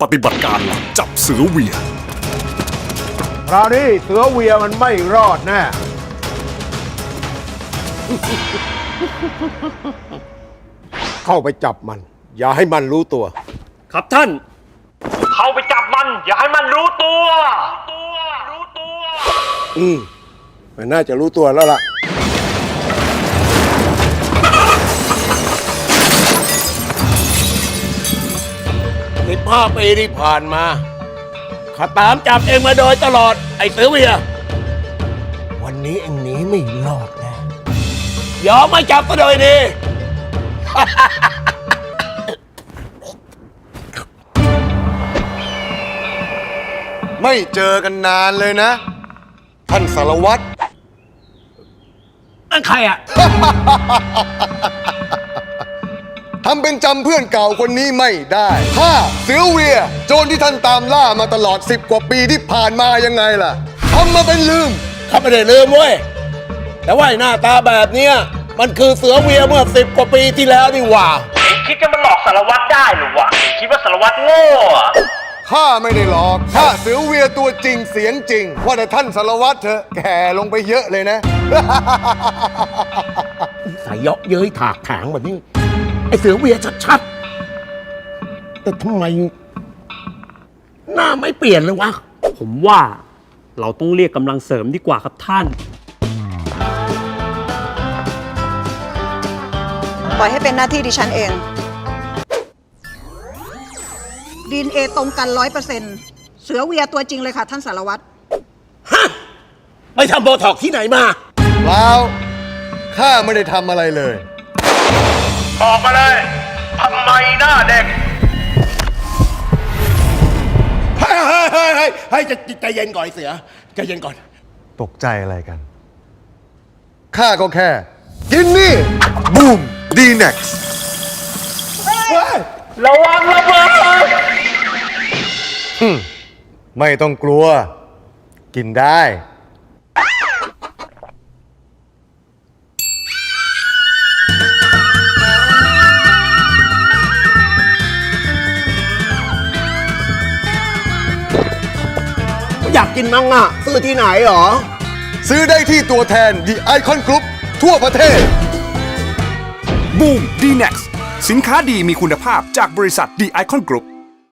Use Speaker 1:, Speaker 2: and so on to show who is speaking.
Speaker 1: ปฏิบัติการลับจับเสือเวีย
Speaker 2: คราวนี้เสือเวียมันไม่รอดแน่ เข้าไปจับมัน อย่าให้มันรู้ตัว
Speaker 3: ครับท่าน
Speaker 4: เข้าไปจับมัน อย่าให้มันรู้ตัว
Speaker 2: มันน่าจะรู้ตัวแล้วล่ะ
Speaker 5: 15 ปีที่ผ่านมาข้าตามจับเองมาโดยตลอด ไอ้เสือเวีย วันนี้เองหนีไม่รอดแน่ยอมไม่จับก็โดยดี
Speaker 6: ไม่เจอกันนานเลยนะ ท่านสารวัตร
Speaker 5: นั่นใครอ่ะ
Speaker 6: ทำเป็นจำเพื่อนเก่าคนนี้ไม่ได้ถ้าเสือเวียโจรที่ท่านตามล่ามาตลอด10 กว่าปีที่ผ่านมายังไงล่ะทำมาเป็นลืม
Speaker 5: ข้าไม่ได้ลืมเว้ย แต่ว่าหน้าตาแบบเนี้ยมันคือเสือเวียเมื่อ10 กว่าปีที่แล้วนี่หว่า
Speaker 4: คิดจะมาหลอกสารวัตรได้หรือวะ คิดว่าสารวัตรโง่อะ
Speaker 6: ข้าไม่ได้หลอกข้าเสือเวียตัวจริงเสียงจริง ว่าแต่ท่านสารวัตรเถอะแก่ลงไปเยอะเลยนะ
Speaker 5: สายเยาะเย้ยถากถางแบบนี้ ไอ้เสือเวียชัดๆ แต่ทำไมหน้าไม่เปลี่ยนเลยวะ
Speaker 3: ผมว่าเราต้องเรียกกำลังเสริมดีกว่าครับท่าน
Speaker 7: ปล่อยให้เป็นหน้าที่ดิฉันเองDNA ตรงกัน100%เสือเวียตัวจริงเลยค่ะท่านสารวัตร
Speaker 5: ไปทำโบท็อกที่ไหนมา
Speaker 6: เปล่าข้าไม่ได้ทำอะไรเลย
Speaker 4: บอกมาเลยทำไมหน้าเด็ก
Speaker 5: เฮ้ยใจเย็นก่อนไอ้เสือใจเย็นก่อน
Speaker 6: ตกใจอะไรกัน ข้าก็แค่ กินนี่ บูมดีเน็กซ์
Speaker 4: ระวังระเบิด
Speaker 6: ไม่ต้องกลัว กินได้
Speaker 5: อยากกินมั้งอ่ะ ซื้อที่ไหนหรอ
Speaker 6: ซื้อได้ที่ตัวแทน The Icon Group ทั่วประเทศ
Speaker 1: บูม D-Nex สินค้าดีมีคุณภาพจากบริษัท The Icon Group